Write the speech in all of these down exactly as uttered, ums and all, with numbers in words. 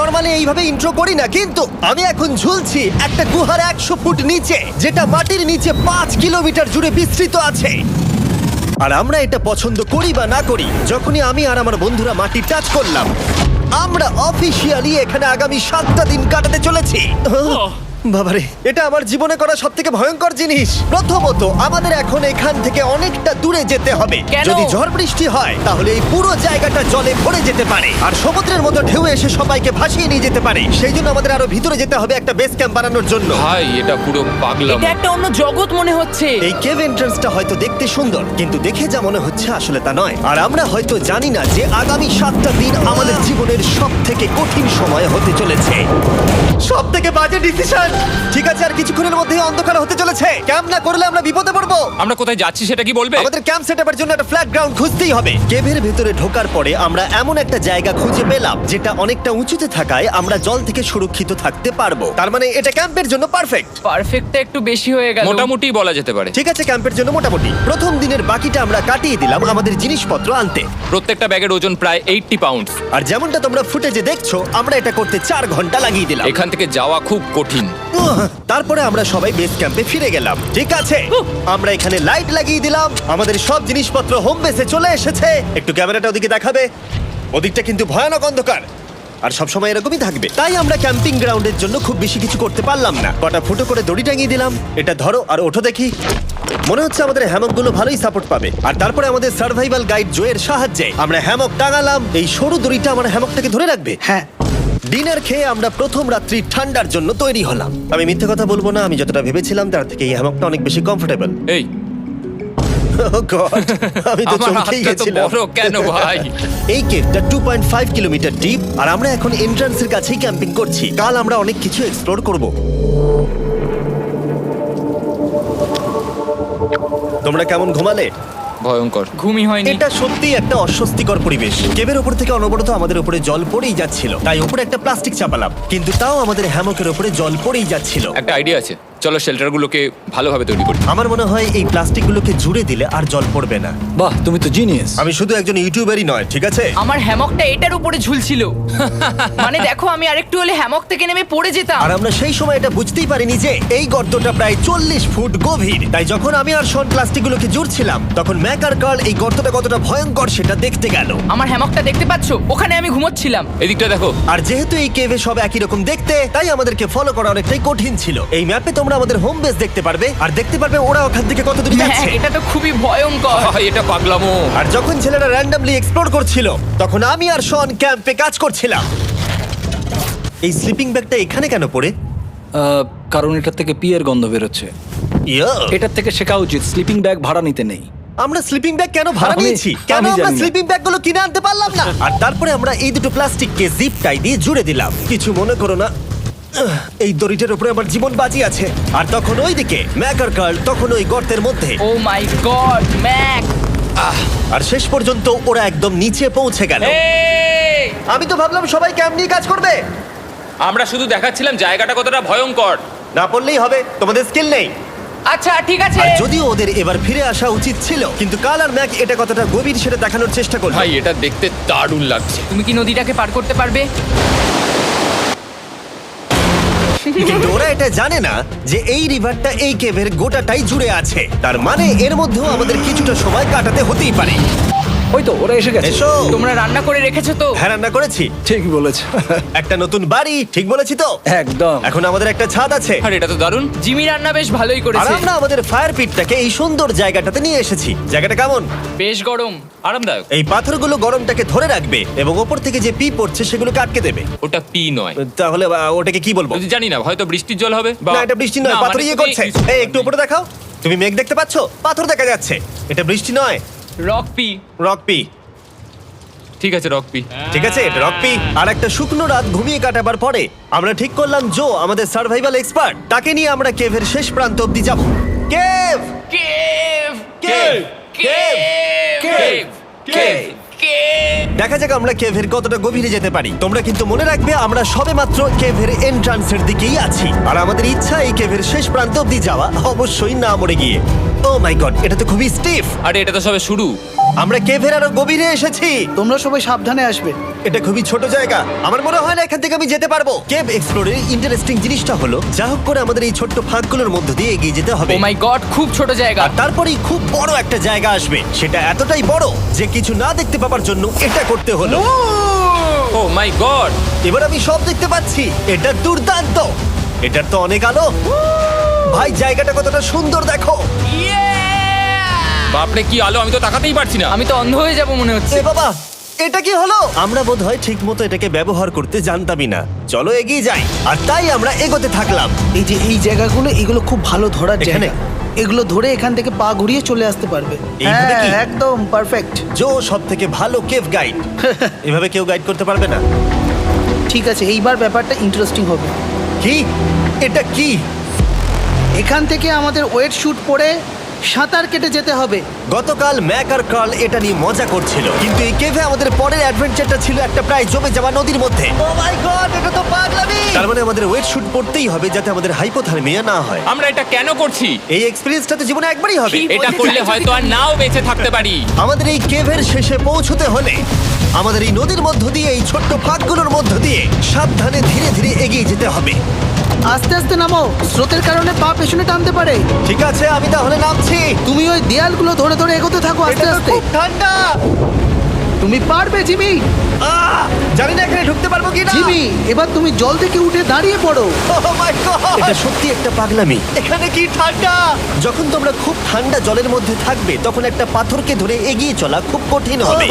Normally এইভাবে intro করি না, কিন্তু আমি এখন ঝুলছি একটা গুহার একশো ফুট নিচে, যেটা মাটির নিচে পাঁচ কিলোমিটার জুড়ে বিস্তৃত আছে। আর আমরা এটা পছন্দ করি বা না করি, যখনই আমি আর আমার বন্ধুরা মাটি টাচ করলাম, আমরা অফিসিয়ালি এখানে আগামী সাতটা দিন কাটাতে চলেছি। বাবারে, এটা আমার জীবনে করা সব থেকে ভয়ঙ্কর জিনিস। প্রথমত, আমাদের এখন এখান থেকে অনেকটা দূরে যেতে হবে। কেন? যদি ঝড় বৃষ্টি হয় তাহলে এই পুরো জায়গাটা জলে ভরে যেতে পারে, আর সমুদ্রের মতো ঢেউ এসে সবাইকে ভাসিয়ে নিয়ে যেতে পারে। সেই জন্য আমাদের আরো ভিতরে যেতে হবে একটা বেস ক্যাম্প বানানোর জন্য। ভাই এটা পুরো পাগলাম। এটা একটা অন্য জগৎ মনে হচ্ছে। এই কেভ এন্ট্রান্সটা হয়তো দেখতে সুন্দর, কিন্তু দেখে যা মনে হচ্ছে আসলে তা নয়। আর আমরা হয়তো জানি না যে আগামী সাতটা দিন আমাদের জীবনের সব থেকে কঠিন সময় হতে চলেছে। সব থেকে বাজে ডিসিশন। ঠিক আছে, আর কিছুক্ষণের মধ্যেই অন্ধকার হতে চলেছে। ক্যাম্প না করলে আমরা বিপদে পড়বো। আমরা কোথায় যাচ্ছি সেটা কি বলবে? আমাদের ক্যাম্প সেটআপের জন্য একটা ফ্ল্যাট গ্রাউন্ড খুঁজতেই হবে। কেভের ভেতরে ঢোকার পরে আমরা এমন একটা জায়গা খুঁজে পেলাম যেটা অনেকটা উঁচুতে থাকায় আমরা জল থেকে সুরক্ষিত থাকতে পারবো। তার মানে এটা ক্যাম্পের জন্য পারফেক্ট। পারফেক্টটা একটু বেশি হয়ে গেল। মোটামুটি বলা যেতে পারে। ঠিক আছে, ক্যাম্পের জন্য মোটামুটি। প্রথম দিনের বাকিটা আমরা কাটিয়ে দিলাম আমাদের জিনিসপত্র আনতে। প্রত্যেকটা ব্যাগের ওজন প্রায় আশি পাউন্ড। আর যেমনটা তোমরা ফুটেজে দেখছো, আমরা এটা করতে চার ঘন্টা লাগিয়ে দিলাম। এখান থেকে যাওয়া খুব কঠিন। উহ, তারপরে আমরা সবাই বেস ক্যাম্পে ফিরে গেলাম। ঠিক আছে, আমরা এখানে লাইট লাগিয়ে দিলাম। আমাদের সব জিনিসপত্র হোম বেসে চলে এসেছে। একটু ক্যামেরাটা ওদিকে দেখাবে? ওদিকটা কিন্তু ভয়ানক অন্ধকার, আর সবসময় এরকমই থাকবে। তাই আমরা ক্যাম্পিং গ্রাউন্ডের জন্য খুব বেশি কিছু করতে পারলাম না। কটা ফুটো করে দড়ি টাঙিয়ে দিলাম। এটা ধরো আর ওঠো দেখি। মনে হচ্ছে আমাদের হ্যামকগুলো ভালোই সাপোর্ট পাবে। আর তারপরে আমাদের সার্ভাইভাল গাইড জোয়ের সাহায্যে আমরা হ্যামক টাঙালাম। এই সরু দড়িটা আমার হ্যামকটাকে ধরে রাখবে। হ্যাঁ, ডিনার খেয়ে আমরা প্রথম রাত্রি ঠান্ডার জন্য তৈরি হলাম। আমি মিথ্যে কথা বলবো না, আমি যতটা ভেবেছিলাম তার থেকে এই হ্যামকটা অনেক বেশি কমফোর্টেবল। এই আমি তো আমার চমকেই হাতটা তো গেছিলাম। বড় কেন ভাই? এই কেভটা two point five kilometre deep, আর আমরা এখন এন্ট্রান্সের কাছেই ক্যাম্পিং করছি। কাল আমরা অনেক কিছু এক্সপ্লোর করব। তোমরা কেমন ঘুমালে? ভয়ঙ্কর। ঘুমই হয়নি। এটা সত্যি একটা অস্বস্তিকর পরিবেশ। কেবের উপর থেকে অনবরত আমাদের উপরে জল পড়েই যাচ্ছিল, তাই উপরে একটা প্লাস্টিক চাপালাম, কিন্তু তাও আমাদের হ্যামকের উপরে জল পড়েই যাচ্ছিল। একটা আইডিয়া আছে, চলো শেল্টারগুলোকে ভালোভাবে তৈরি করি। আমার মনে হয় এই প্লাস্টিকগুলোকে জুড়ে দিলে আর জল পড়বে না। বাহ, তুমি তো জিনিয়াস। আমি শুধু একজন ইউটিউবারই নয়, ঠিক আছে? আমার হ্যামকটা এটার উপরে ঝুলছিল। মানে দেখো, আমি আরেকটু হলে হ্যামক থেকে নেমে পড়ে যেতাম। আর আমরা সেই সময় এটা বুঝতেই পারিনি যে এই গর্তটা প্রায় চল্লিশ ফুট গভীর। তাই যখন আমি আর শন প্লাস্টিকগুলোকে জুড়ছিলাম, তখন ম্যাক আর কার্ল এই গর্তটা কতটা ভয়ঙ্কর সেটা দেখতে গেল। আমার হ্যামকটা দেখতে পাচ্ছো? ওখানে আমি ঘুমোচ্ছিলাম। এদিকটা দেখো। আর যেহেতু এই কেভে সব একই রকম দেখতে, তাই আমাদেরকে ফলো করা অনেকটাই কঠিন ছিল। এই ম্যাপে তোমরা আমাদের হোম বেস দেখতে পারবে, আর দেখতে পারবে ওরা ওখান থেকে কত দূর হ্যাঁ, যাচ্ছে। এটা তো খুবই ভয়ঙ্কর। ভাই এটা পাগলামো। আর যখন ছেলেরা র্যান্ডমলি এক্সপ্লোর করছিল, তখন আমি আর শন ক্যাম্পে কাজ করছিলাম। এই স্লিপিং ব্যাগটা এখানে কেন পড়ে? আহ, কারণ এটার থেকে পিয়ের গন্ধ বেরোচ্ছে। ইয়া, এটার থেকে শেখা উচিত স্লিপিং ব্যাগ ভাড়া নিতে নেই। আমরা স্লিপিং ব্যাগ কেন ভাড়া আমি- নিয়েছি? কেন আমি আমরা জানি না। স্লিপিং ব্যাগগুলো কিনে আনতে পারলাম না? আর তারপরে আমরা এই দুটো প্লাস্টিককে জিপ টাই দিয়ে জুড়ে দিলাম। কিছু মনে করো না, আহ, এই দড়িটার উপরে আমার জীবন বাজি আছে। আর তখন ওইদিকে ম্যাক আর কার্ল তখন ওই গর্তের মধ্যে। ও মাই গড, ম্যাক! আর শেষ পর্যন্ত ওরা একদম নিচে পৌঁছে গেল। এই! আমি তো ভাবলাম সবাই ক্যাম্প নিয়ে কাজ করবে। আমরা শুধু দেখাচ্ছিলাম জায়গাটা কতটা ভয়ঙ্কর। না পড়লেই হবে, তোমাদের স্কিল নেই। আচ্ছা ঠিক আছে। আর যদিও ওদের এবার ফিরে আসা উচিত ছিল, কিন্তু কাল আর ম্যাক এটা কতটা গভীর সেটা দেখানোর চেষ্টা করলো। ভাই এটা দেখতে দারুণ লাগছে। তুমি কি নদীটাকে পার করতে পারবে? কিন্তু ওরা এটা জানে না যে এই রিভারটা এই কেভের গোটাটাই জুড়ে আছে। তার মানে এর মধ্যেও আমাদের কিছুটা সময় কাটাতে হতেই পারে। ওই তো ওরা এসে গেছে। এসো। তোমরা রান্না করে রেখেছো তো? হ্যাঁ, রান্না করেছি। ঠিক বলেছ। একটা নতুন বাড়ি, ঠিক বলেছি তো? একদম। এখন আমাদের একটা ছাদ আছে। আর এটা তো দারুণ। জিমি রান্না বেশ ভালোই আর করেছে। আমরা আমাদের ফায়ার পিটটাকে এই সুন্দর জায়গাটাতে নিয়ে এসেছি। জায়গাটা কেমন? বেশ গরম। আরামদায়ক। এই পাথরগুলো গরমটাকে ধরে রাখবে এবং ওপর থেকে যে পি পড়ছে সেগুলোকে আটকে দেবে। ওটা পি নয়। তাহলে আহ, ওটাকে কি বলবো? যদি জানি না, হয়তো বৃষ্টির জল হবে বা না, এটা বৃষ্টি নয়, না, পাথর মানে ইয়ে তুমি- করছে। এই একটু উপরে দেখাও। তুমি মেঘ দেখতে পাচ্ছো? পাথর দেখা যাচ্ছে। এটা বৃষ্টি নয়, রক পি। Rock P. ঠিক আছে, রক পি। ঠিক আছে, এটা রক পি। আর একটা শুকনো রাত ঘুমিয়ে কাটাবার পরে আমরা ঠিক করলাম জো আমাদের সার্ভাইভাল এক্সপার্ট, তাকে নিয়ে আমরা কেভের শেষ প্রান্ত অব্দি যাব। Cave cave! Cave cave! Cave cave cave! দেখা যাক আমরা কেভের কতটা গভীরে যেতে পারি। তোমরা কিন্তু মনে রাখবে আমরা সবেমাত্র কেভের এন্ট্রান্সের দিকেই আছি, আর আমাদের ইচ্ছা এই কেভের শেষ প্রান্ত অব্দি যাওয়া, অবশ্যই না মরে গিয়ে। ও মাই গড, এটা তো খুবই স্টিফ। আরে এটা তো সবে শুরু। আমরা কেভের আরো গভীরে এসেছি। তোমরা সবাই সাবধানে আসবে। এটা খুবই ছোট জায়গা, আমার মনে হয় না এখান থেকে আমি যেতে পারবো। কেভ এক্সপ্লোরের ইন্টারেস্টিং জিনিসটা হলো যা হোক করে আমাদের এই ছোট্ট ফাঁকগুলোর মধ্য দিয়ে এগিয়ে যেতে হবে। ও মাই গড, খুব ছোট জায়গা। আর তারপরেই খুব বড় একটা জায়গা আসবে, সেটা এতটাই বড় যে কিছু না দেখতে পাওয়ার জন্য এটা করতে হলো। Oh my god! এবার আমি সব দেখতে পাচ্ছি, এটা দুর্দান্ত। এটার তো অনেক আলো। ভাই জায়গাটা কতটা সুন্দর দেখো। বাপরে কি আলো, আমি তো তাকাতেই পারছি না। আমি তো অন্ধ হয়ে যাব মনে হচ্ছে। এ বাবা, এটা কি হলো? আমরা বোধহয় ঠিক মতো এটাকে ব্যবহার করতে জানতামই না। চলো এগিয়ে যাই। আর তাই আমরা এগোতে থাকলাম। এই যে এই জায়গাগুলো, এগুলো খুব ভালো ধরার এখানে? জায়গা। এগুলো ধরে এখান থেকে পা ঘুরিয়ে চলে আসতে পারবে। এইভাবে হ্যাঁ, কি? একদম পারফেক্ট। জো সব থেকে ভালো কেভ গাইড। এভাবে কেউ গাইড করতে পারবে না। ঠিক আছে, এইবার ব্যাপারটা ইন্টারেস্টিং হবে। কি? এটা কি? এখান থেকে আমাদের ওয়েট শুট পরে সাঁতার কেটে যেতে হবে। গতকাল ম্যাক আর কার্ল এটা নিয়ে মজা করছিল, কিন্তু এই কেভে আমাদের পরের অ্যাডভেঞ্চারটা ছিল একটা প্রায় জমে যাওয়া নদীর মধ্যে। ও মাই গড, এটা তো পাগলামি! তার মানে আমাদের ওয়েট শুট পড়তেই হবে যাতে আমাদের হাইপোথার্মিয়া না হয়। আমরা এটা কেন করছি? এই এক্সপেরিয়েন্সটা তো জীবনে একবারই হবে। কি? এটা করলে হয়তো আর নাও বেঁচে থাকতে পারি। আমাদের এই কেভের শেষে পৌঁছতে হলে আমাদের এই নদীর মধ্য দিয়ে, এই ছোট্ট ফাঁকগুলোর মধ্য দিয়ে সাবধানে ধীরে ধীরে এগিয়ে যেতে হবে। আস্তে আস্তে নামো, স্রোতের কারণে পা পেছনে টানতে পারে। ঠিক আছে, আমি তাহলে নামছি। তুমি ওই দেয়ালগুলো ধরে ধরে এগোতে থাকো আস্তে এটা তো আস্তে। খুব ঠান্ডা। তুমি পারবে জিমি। আহ! জানি না এখানে ঢুকতে পারবো কি না। জিমি, এবার তুমি জল থেকে উঠে দাঁড়িয়ে পড়ো। এটা সত্যি একটা পাগলামি। এখানে কি ঠান্ডা! যখন তোমরা খুব ঠান্ডা জলের মধ্যে থাকবে তখন একটা পাথরকে ধরে এগিয়ে চলা খুব কঠিন হবে।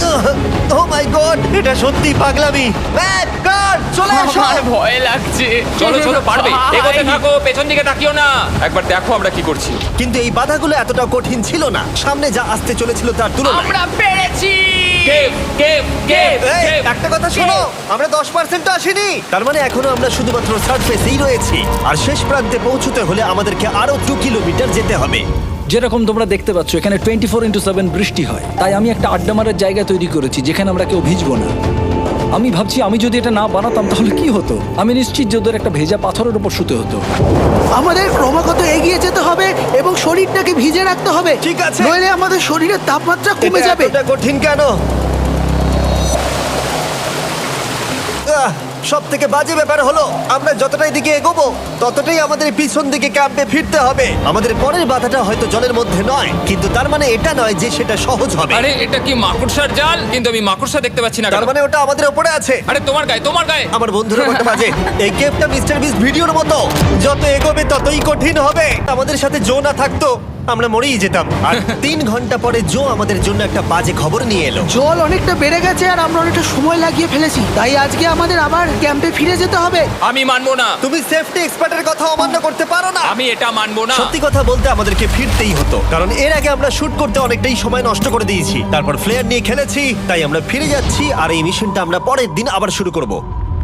ও মাই গড, এটা সত্যি পাগলামি। ম্যাক, কার, চলে এসো। আমার ভয় লাগছে। চলো চলো, পারবে। ভাই। এগোতে থাকো, পেছন দিকে তাকিও না। একবার দেখো আমরা কি করছি। কিন্তু এই বাধাগুলো এতটা কঠিন ছিল না সামনে যা আসতে চলেছিল তার তুলনায়। আমরা পেরেছি। কেভ কেভ কেভ এই, কেভ। একটা কথা শোনো, আমরা দশ পার্সেন্ট আসিনি। তার মানে এখনো আমরা শুধুমাত্র সার্ফেসেই রয়েছি, আর শেষ প্রান্তে পৌঁছতে হলে আমাদেরকে আরো দু কিলোমিটার যেতে হবে। যেরকম তোমরা দেখতে পাচ্ছ এখানে টোয়েন্টি ফোর ইন্টু সেভেন বৃষ্টি হয়, তাই আমি একটা আড্ডা মারার জায়গা তৈরি করেছি যেখানে আমরা কেউ ভিজবো না। আমি ভাবছি আমি যদি এটা না বানাতাম তাহলে কি হতো। আমি নিশ্চিত যে ওদের একটা ভেজা পাথরের উপর শুতে হতো। আমাদের ক্রমাগত এগিয়ে যেতে হবে এবং শরীরটাকে ভিজে রাখতে হবে। ঠিক আছে। নইলে আমাদের শরীরের তাপমাত্রা কমে এটা যাবে। এতটা কঠিন কেন? সব থেকে বাজে ব্যাপার হলো আমরা যতটাই দিকে এগোবো ততটাই আমাদের পিছন দিকে ক্যাম্পে ফিরতে হবে। আমাদের পরের বাধাটা হয়তো জলের মধ্যে নয়, কিন্তু তার মানে এটা নয় যে সেটা সহজ হবে। আরে এটা কি মাকড়সার জাল? কিন্তু আমি মাকড়সা দেখতে পাচ্ছি না। তার কেন? মানে ওটা আমাদের উপরে আছে। আরে তোমার গায়ে, তোমার গায়ে। আমার বন্ধুরা বলতে বাজে। এই গেমটা মিস্টার বিস ভিডিওর মতো, যত এগোবে ততই কঠিন হবে। আমাদের সাথে জো না থাকতো আমরা মরেই যেতাম। আর তিন ঘন্টা পরে জো আমাদের জন্য একটা বাজে খবর নিয়ে এলো। জল অনেকটা বেড়ে গেছে আর আমরা অনেকটা সময় লাগিয়ে ফেলেছি, তাই আজকে আমাদের আবার ক্যাম্পে ফিরে যেতে হবে। আমি মানবো না। তুমি সেফটি এক্সপার্টের কথা অমান্য করতে পারো না। আমি এটা মানবো না। সত্যি কথা বলতে আমাদেরকে ফিরতেই হতো, কারণ এর আগে আমরা শুট করতে অনেকটাই সময় নষ্ট করে দিয়েছি। তারপর ফ্লেয়ার নিয়ে খেলেছি, তাই আমরা ফিরে যাচ্ছি আর এই মিশনটা আমরা পরের দিন আবার শুরু করব।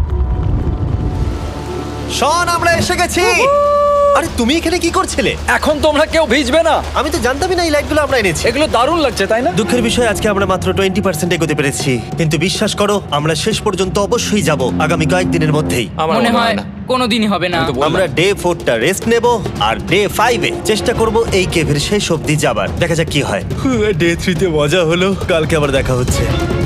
শন, আমরা এসে গেছি। আরে তুমি এখানে কি করছিলে? এখন তোমরা কেউ ভিজবে না। আমি তো জানতামই না এই লাইটগুলো আমরা এনেছি। এগুলো দারুণ লাগছে তাই না? দুঃখের বিষয় আজকে আমরা মাত্র টোয়েন্টি পার্সেন্ট এগোতে পেরেছি, কিন্তু বিশ্বাস করো আমরা শেষ পর্যন্ত অবশ্যই যাব আগামী কয়েকদিনের মধ্যেই। আমার মনে হয় না। কোনোদিনই হবে না। আমি তো বললাম। আমরা ডে ফোরটা রেস্ট নেব আর ডে ফাইভে চেষ্টা করব এই কেভের শেষ অবধি যাবার। দেখা যাক কি হয়। ডে থ্রিতে মজা হলো, কালকে আবার দেখা হচ্ছে।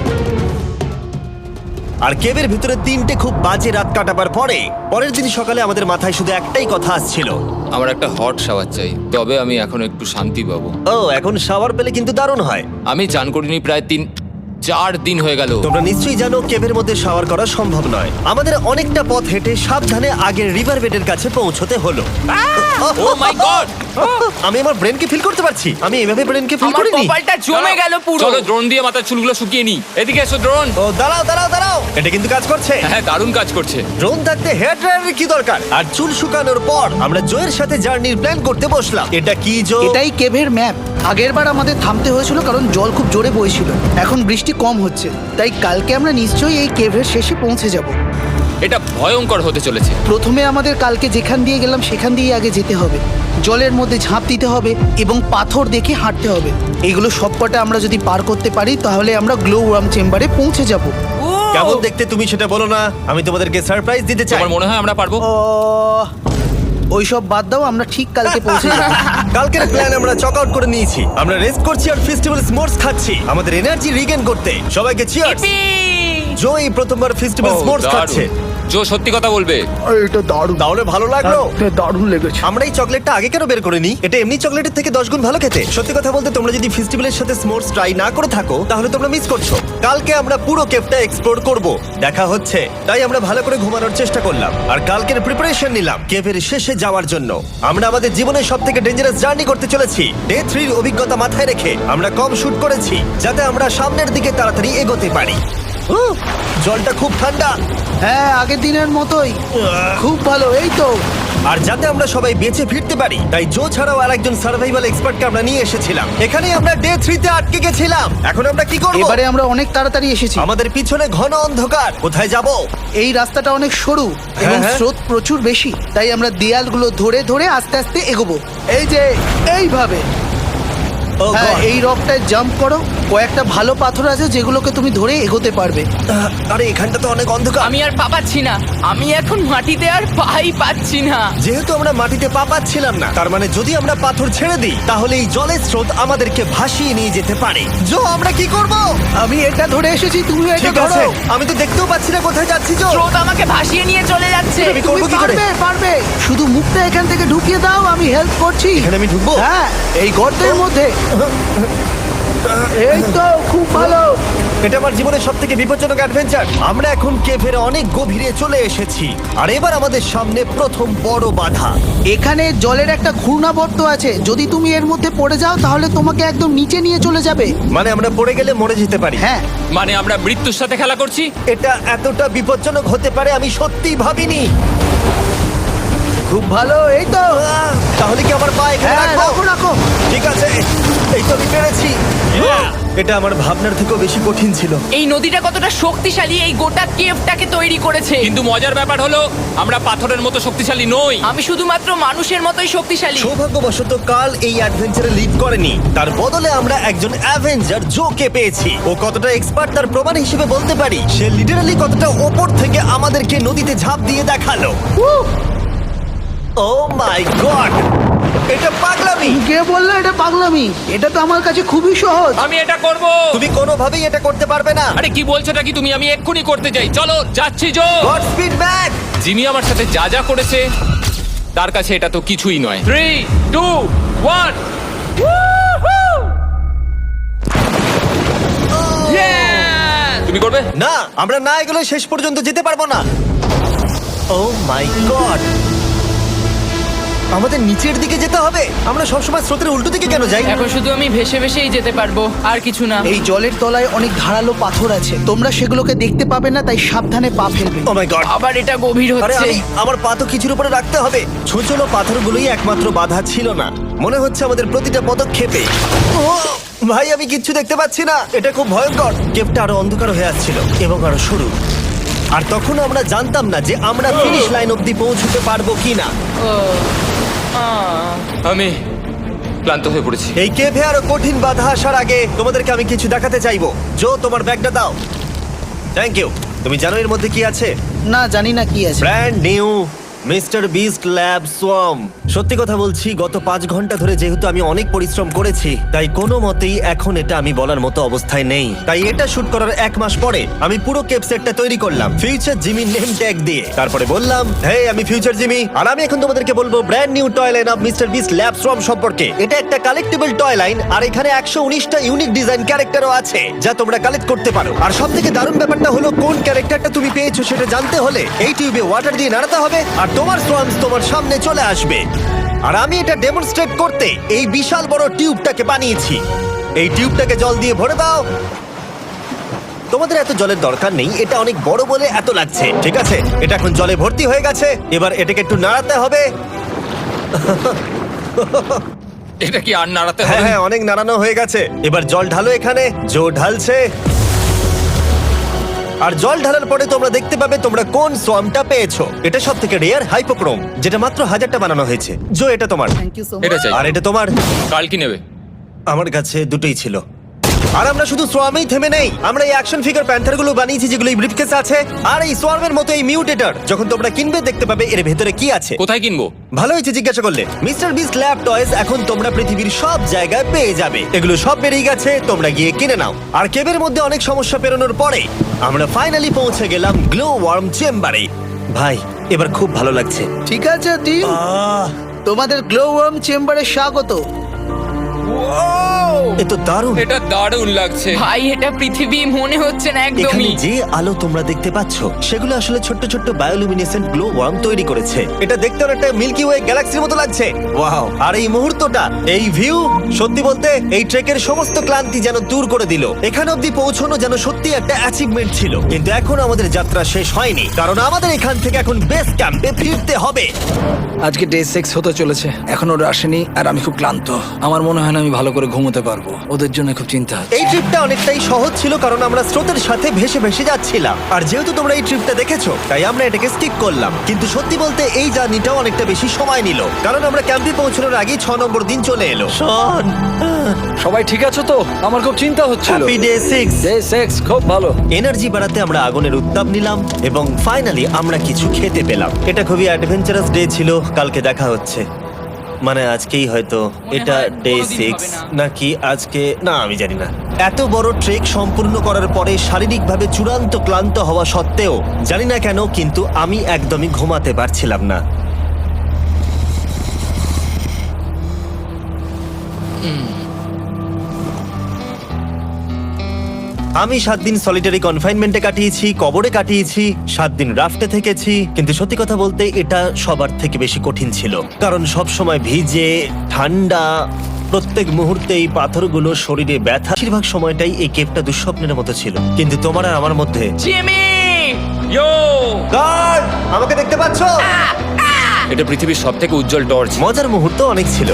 আর কেভের ভিতরে তিনটে খুব বাজে রাত কাটাবার পরে পরের দিন সকালে আমাদের মাথায় শুধু একটাই কথা আসছিল, আমার একটা হট শাওয়ার চাই, তবে আমি এখন একটু শান্তি পাবো। ও এখন শাওয়ার পেলে কিন্তু দারুণ হয়। আমি চান করিনি প্রায় তিন চার দিন হয়ে গেল। তোমরা নিশ্চয়ই জানো কেভের মধ্যে শাওয়ার করা সম্ভব নয়। আমাদের অনেকটা পথ হেঁটে সাবধানে আগের রিভার বেডের কাছে পৌঁছতে হলো। Oh my god! আমি আমার ব্রেনকে ফিল করতে পারছি। আমি এভাবে ব্রেনকে ফিল আমার করিনি। কপালটা জমে গেল পুরো। চলো ড্রোন দিয়ে মাথার চুলগুলো শুকিয়ে নি। এদিকে এসো ড্রোন। ও দাঁড়াও দাঁড়াও দাঁড়াও, এটা কিন্তু কাজ করছে। হ্যাঁ, দারুণ কাজ করছে। ড্রোন থাকতে হেয়ার ড্রায়ারের কি দরকার? আর চুল শুকানোর পর আমরা জয়ের সাথে জার্নির প্ল্যান করতে বসলাম। এটা কি জো? এটাই কেভের ম্যাপ। আগেরবার আমাদের থামতে হয়েছিল কারণ জল খুব জোরে বইছিল। এখন বৃষ্টি কম হচ্ছে, তাই কালকে আমরা নিশ্চয়ই এই কেভের শেষে পৌঁছে যাব। এটা ভয়ঙ্কর হতে চলেছে। প্রথমে আমাদের কালকে যেখান দিয়ে গেলাম সেখান দিয়ে আগে যেতে হবে। জলের মধ্যে ঝাঁপ দিতে হবে এবং পাথর দেখে হাঁটতে হবে। এগুলো সবকটা আমরা যদি পার করতে পারি তাহলে আমরা গ্লো ওয়ার্ম চেম্বারে পৌঁছে যাব। কেমন দেখতে তুমি সেটা বলো না, আমি তোমাদেরকে সারপ্রাইজ দিতে চাই। তোমার মনে হয় আমরা পারবো? ও ওইসব বাদ দাও, আমরা ঠিক কালকে পৌঁছে যাবো। কালকের প্ল্যান আমরা চক আউট করে নিয়েছি। আমরা রেস্ট করছি আর ফেস্টিভ্যাল স্মোর্টস খাচ্ছি আমাদের এনার্জি রিগেন করতে। সবাইকে চিয়ার্স। Yippee! জো এই প্রথমবার ফেস্টিভ্যাল ও, স্মোর্টস দারুণ। খাচ্ছে। জো সত্যি কথা বলবে। এটা দারুণ, তাহলে ভালো লাগলো? দারুণ লেগেছে। আমরা এই চকলেটটা আগে কেন বের করিনি? এটা এমনি চকলেটের থেকে দশ গুণ ভালো খেতে। সত্যি কথা বলতে তোমরা যদি ফেস্টিভ্যালের সাথে স্মোর্টস ট্রাই না করে থাকো তাহলে তোমরা মিস করছো। কালকে আমরা পুরো কেভটা এক্সপ্লোর করব, দেখা হচ্ছে। তাই আমরা ভালো করে ঘুমানোর চেষ্টা করলাম আর কালকের প্রিপারেশন নিলাম কেভের শেষে যাওয়ার জন্য। আমরা আমাদের জীবনের সব থেকে ডেঞ্জারাস জার্নি করতে চলেছি। ডে থ্রির অভিজ্ঞতা মাথায় রেখে আমরা কম শুট করেছি যাতে আমরা সামনের দিকে তাড়াতাড়ি এগোতে পারি। উহ, জলটা খুব ঠান্ডা হ্যাঁ, আগের দিনের মতোই খুব ভালো। এই তো আর যাতে আমরা সবাই বেঁচে ফিরতে পারি তাই জো ছাড়াও আরেকজন সার্ভাইভাল এক্সপার্টকে আমরা নিয়ে এসেছিলাম। এখানে আমরা ডে থ্রিতে আটকে গেছিলাম। এখন আমরা কি করব? এবারে আমরা অনেক তাড়াতাড়ি এসেছি। আমাদের পিছনে ঘন অন্ধকার, কোথায় যাব? এই রাস্তাটা অনেক সরু এবং হ্যাঁ। স্রোত প্রচুর বেশি, তাই আমরা দেয়ালগুলো ধরে ধরে আস্তে আস্তে এগোবো। এই যে এইভাবে। ও হ্যাঁ, God! এই রকটায় জাম্প করো। কয়েকটা ভালো পাথর আছে যেগুলোকে তুমি ধরে এগোতে পারবে। আহ, আরে এখানটা তো অনেক অন্ধকার। আমি আর পা পাচ্ছি না, আমি এখন মাটিতে আর পাই পাচ্ছি না। যেহেতু আমরা মাটিতে পা পাচ্ছিলাম না, তার মানে যদি আমরা পাথর ছেড়ে দিই তাহলে এই জলের স্রোত আমাদেরকে ভাসিয়ে নিয়ে যেতে পারে। জো, আমরা কি করব? আমি এটা ধরে এসেছি, তুমি এটা ঠিক আছে, ধরো। আমি তো দেখতেও পাচ্ছি না কোথায় যাচ্ছি। জো, স্রোত আমাকে ভাসিয়ে নিয়ে চলে যাচ্ছে। আমি তুমি করবো কি করে? পারবে, পারবে। শুধু মুখটা এখান থেকে ঢুকিয়ে দাও, আমি হেল্প করছি। এখানে আমি ঢুকবো? হ্যাঁ, এই গর্তের মধ্যে। এই তো, খুব ভালো। এটা আমার জীবনের সব থেকে বিপজ্জনক অ্যাডভেঞ্চার। আমরা এখন কেভের অনেক গভীরে চলে এসেছি আর এবার আমাদের সামনে প্রথম বড় বাধা। এখানে জলের একটা ঘূর্ণাবর্ত আছে, যদি তুমি এর মধ্যে পড়ে যাও তাহলে তোমাকে একদম নিচে নিয়ে চলে যাবে। মানে আমরা পড়ে গেলে মরে যেতে পারি। হ্যাঁ, মানে আমরা মৃত্যুর সাথে খেলা করছি। এটা এতটা বিপজ্জনক হতে পারে আমি সত্যিই ভাবিনি। খুব ভালো। এই তো, আহ, তাহলে কি আমার পা এখানে হ্যাঁ, রাখবো? রাখো রাখো। ঠিক আছে, এই তো আমি পেরেছি। এটা আমার ভাবনার থেকেও বেশি কঠিন ছিল। এই নদীটা কতটা শক্তিশালী এই গোটা কেভটাকে তৈরি করেছে। কিন্তু মজার ব্যাপার হলো আমরা পাথরের মতো শক্তিশালী নই। আমি শুধুমাত্র মানুষের মতোই শক্তিশালী। সৌভাগ্যবশত কাল এই অ্যাডভেঞ্চারে লিড করেনি, তার বদলে আমরা একজন অ্যাভেঞ্জার জোকে পেয়েছি। ও কতটা এক্সপার্ট তার প্রমাণ হিসেবে বলতে পারি। সে লিটারালি কতটা ওপর থেকে আমাদেরকে নদীতে ঝাঁপ দিয়ে দেখালো। ও মাই গড, এটা পাগলামি। কে বললো এটা পাগলামি? এটা তো আমার কাছে খুবই সহজ। আমি এটা করব। তুমি কোনোভাবেই এটা করতে পারবে না। আরে কি বলছোটা কি তুমি? আমি এক্ষুনি করতে যাই। চলো যাচ্ছি Joe. Godspeed back. Jimmy আমার সাথে যা যা করেছে তার কাছে এটা তো কিছুই নয়। Three two one. তুমি করবে? না, আমরা না এগুলো শেষ পর্যন্ত যেতে পারবো না। ও মাই গড, আমাদের নিচের দিকে যেতে হবে। আমরা সবসময় স্রোতের উল্টো দিকে কেন যাই? এখন শুধু আমি ভেসে ভেসেই যেতে পারবো, আর কিছু না। এই জলের তলায় অনেক ধারালো পাথর আছে, তোমরা সেগুলোকে দেখতে পাবে না, তাই সাবধানে পা ফেলবে। ও মাই গড, আবার এটা গভীর আরে হচ্ছে। আমি আমার পা তো কিছুর উপরে রাখতে হবে। ছোট ছোট পাথরগুলোই একমাত্র বাধা ছিল না, মনে হচ্ছে আমাদের প্রতিটা পদক্ষেপে। ও ভাই, আমি কিচ্ছু দেখতে পাচ্ছি না। এটা খুব ভয়ঙ্কর। কেভটা আরো অন্ধকার হয়ে আসছিল এবং আরো সরু। আর তখন আমরা জানতাম না যে আমরা ফিনিশ লাইন অব্দি পৌঁছতে পারবো কিনা। ও, আহ। আমি ক্লান্ত হয়ে পড়েছি। এই কেভে আরো কঠিন বাধা আসার আগে তোমাদেরকে আমি কিছু দেখাতে চাইবো। জো, তোমার ব্যাগটা দাও। Thank you. তুমি জানো এর মধ্যে কি আছে? না, জানি না কি আছে। Brand new mister Beast Lab Swarm. সত্যি কথা বলছি, গত পাঁচ ঘন্টা ধরে যেহেতু আমি অনেক পরিশ্রম করেছি, তাই কোনো মতেই এখন এটা আমি বলার মতো অবস্থায় নেই। তাই এটা শুট করার এক মাস পরে আমি পুরো কেপ সেটটা তৈরি করলাম ফিউচার জিমি নেম ট্যাগ দিয়ে। তারপরে বললাম, হে আমি ফিউচার জিমি, আর আমি এখন তোমাদেরকে বলবো brand new toy line of mister Beast Lab Swarm সম্পর্কে। এটা একটা কালেক্টেবল টয় লাইন, আর এখানে একশো উনিশটা ইউনিক ডিজাইন ক্যারেক্টারও আছে যা তোমরা কালেক্ট করতে পারো। আর সব থেকে দারুণ ব্যাপারটা হলো, কোন ক্যারেক্টারটা তুমি পেয়েছো সেটা জানতে হলে এই টিউবে ওয়াটার দিয়ে নাড়াতে হবে আর তোমার সোয়ামস তোমার সামনে চলে আসবে। আর আমি এটা ডেমনস্ট্রেট করতে এই বিশাল বড় টিউবটাকে বানিয়েছি। এই টিউবটাকে জল দিয়ে ভরে দাও। তোমাদের এত জলের দরকার নেই, এটা অনেক বড় বলে এত লাগছে। ঠিক আছে, এটা এখন জলে ভর্তি হয়ে গেছে। এবার এটাকে একটু নাড়াতে হবে। এটা কি আর নাড়াতে হ্যাঁ হবে? হ্যাঁ, অনেক নাড়ানো হয়ে গেছে। এবার জল ঢালো এখানে। জো ঢালছে। আর জল ঢালার পরে তোমরা দেখতে পাবে তোমরা কোন সোয়ামটা পেয়েছো। এটা সব থেকে রেয়ার হাইপোক্রোম, যেটা মাত্র হাজারটা বানানো হয়েছে। জো, এটা তোমার। থ্যাংক ইউ সো এটা মাচ। চাই। আর এটা তোমার। কাল কি নেবে? আমার কাছে দুটোই ছিল। আর আমরা শুধু সোয়ামেই থেমে নেই, আমরা এই অ্যাকশন ফিগার প্যান্থার গুলো বানিয়েছি যেগুলো এই ব্রিফকেসে আছে, আর এই সোয়ার্মের মতো এই মিউটেটর। যখন তোমরা কিনবে দেখতে পাবে এর ভেতরে কি আছে। কোথায় কিনবো? ভালো হয়েছে জিজ্ঞাসা করলে। মিস্টার বিস্ট ল্যাব টয়েস এখন তোমরা পৃথিবীর সব জায়গায় পেয়ে যাবে। এগুলো সব বেরিয়ে গেছে, তোমরা গিয়ে কিনে নাও। আর কেবের মধ্যে অনেক সমস্যা পেরোনোর পরে আমরা ফাইনালি পৌঁছে গেলাম গ্লো ওয়ার্ম চেম্বারে। ভাই এবার খুব ভালো লাগছে। ঠিক আছে টিম, তোমাদের গ্লো ওয়ার্ম চেম্বারে স্বাগত। এ তো দারুণ। এটা দারুণ লাগছে। ভাই এটা পৃথিবী মনে হচ্ছে না এখানে একদমই। যে আলো তোমরা দেখতে পাচ্ছ সেগুলো আসলে ছোট্ট ছোট্ট বায়োলুমিনেসেন্ট গ্লো ওয়ার্ম তৈরি করেছে। এটা দেখতে অনেকটা মিল্কি ওয়ে গ্যালাক্সির মতো লাগছে। ওয়াও! আর এই মুহূর্তটা, এই ভিউ, সত্যি বলতে এই ট্রেকের সমস্ত ক্লান্তি যেন দূর করে দিল। এখানে অবধি পৌঁছানো যেন সত্যি একটা অ্যাচিভমেন্ট ছিল। কিন্তু এখন আমাদের যাত্রা শেষ হয়নি, কারণ আমাদের এখান থেকে এখন বেস ক্যাম্পে ফিরতে হবে। আজকে ডে সিক্স হতে চলেছে, এখন ওরা আসেনি আর আমি খুব ক্লান্ত। আমার মনে হয় না আমি ভালো করে ঘুমোতে পারবো, ওদের জন্য খুব চিন্তা হচ্ছে। এই ট্রিপটা অনেকটাই সহজ ছিল কারণ আমরা স্রোতের সাথে ভেসে ভেসে যাচ্ছিলাম। আর যেহেতু তোমরা এই ট্রিপটা দেখেছো তাই আমরা এটাকে স্কিপ করলাম। কিন্তু সত্যি বলতে এই জার্নিটাও অনেকটা বেশি সময় নিল, কারণ আমরা ক্যাম্পে পৌঁছানোর আগেই ছ নম্বর দিন চলে এলো। শন, সবাই ঠিক আছে তো? আমার খুব চিন্তা হচ্ছিল। Happy day six. Day six খুব ভালো। এনার্জি বাড়াতে আমরা আগুনের উত্তাপ নিলাম এবং ফাইনালি আমরা কিছু খেতে পেলাম। এটা খুবই অ্যাডভেঞ্চারাস ডে ছিল। কালকে দেখা হচ্ছে, মানে আজকেই হয়তো। এটা হয় ডে কোনোদিন সিক্স হবে না। নাকি আজকে, না আমি জানি না। এত বড় ট্রেক সম্পূর্ণ করার পরে শারীরিকভাবে চূড়ান্ত ক্লান্ত হওয়া সত্ত্বেও জানি না কেন কিন্তু আমি একদমই ঘুমাতে পারছিলাম না। আমি সাত দিন সলিটারি কনফাইনমেন্টে কাটিয়েছি, কবরে কাটিয়েছি, সাত দিন রাফটে থেকেছি। কিন্তু সত্যি কথা বলতে এটা সবার থেকে বেশি কঠিন ছিল, কারণ সব সময় ভিজে, ঠান্ডা, প্রত্যেক মুহূর্তে এই পাথরগুলো শরীরে ব্যথা। বেশিরভাগ সময়টাই এই কেপটা দুঃস্বপ্নের মতো ছিল। কিন্তু তোমার আর আমার মধ্যে জিমি! ইয়ো! গার্ড, আমাকে দেখতে পাচ্ছো? এটা পৃথিবীর সবথেকে উজ্জ্বল টর্চ। মজার মুহূর্ত অনেক ছিল।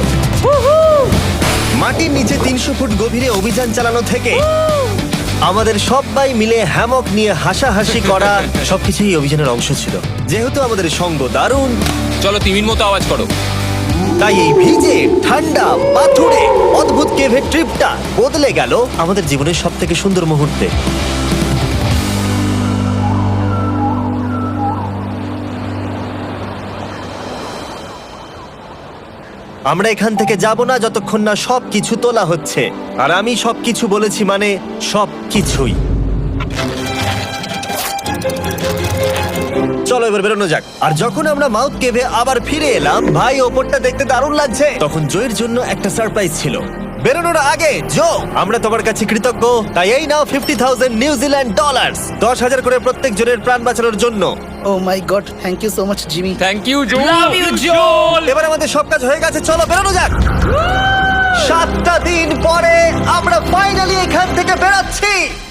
মাটির নিচে তিনশো ফুট গভীরে অভিযান চালানো থেকে আমাদের সবাই মিলে হ্যামক নিয়ে হাসাহাসি করা সবকিছুই অভিযানের অংশ ছিল। যেহেতু আমাদের সঙ্গ দারুণ, চলো তিমির মতো আওয়াজ করো। তাই এই ভিজে, ঠান্ডা, পাথুরে অদ্ভুত কেভের ট্রিপটা বদলে গেল আমাদের জীবনের সব থেকে সুন্দর মুহূর্তে। আমরা এখান থেকে যাব না যতক্ষণ না সব কিছু তোলা হচ্ছে। আর আমি সব কিছু বলেছি মানে সব কিছুই। চলো এবার বেরোনো যাক। আর যখন আমরা মাউথ কেভে আবার ফিরে এলাম, ভাই ওপরটা দেখতে দারুণ লাগছে। তখন জয়ের জন্য একটা সারপ্রাইজ ছিল। বেরোনোর আগে জো, আমরা তোমার কাছে কৃতজ্ঞ। তাই এই নাও ফিফটি থাউজেন্ড নিউজিল্যান্ড ডলার, দশ হাজার করে প্রত্যেক জনের প্রাণ বাঁচানোর জন্য। Oh my god, thank you so much Jimmy. Thank you Joe. Love you, Joel! এবার আমাদের সব কাজ হয়ে গেছে, চলো বেরোনো যাক। সাতটা দিন পরে আমরা ফাইনালি এখান থেকে বেরোচ্ছি।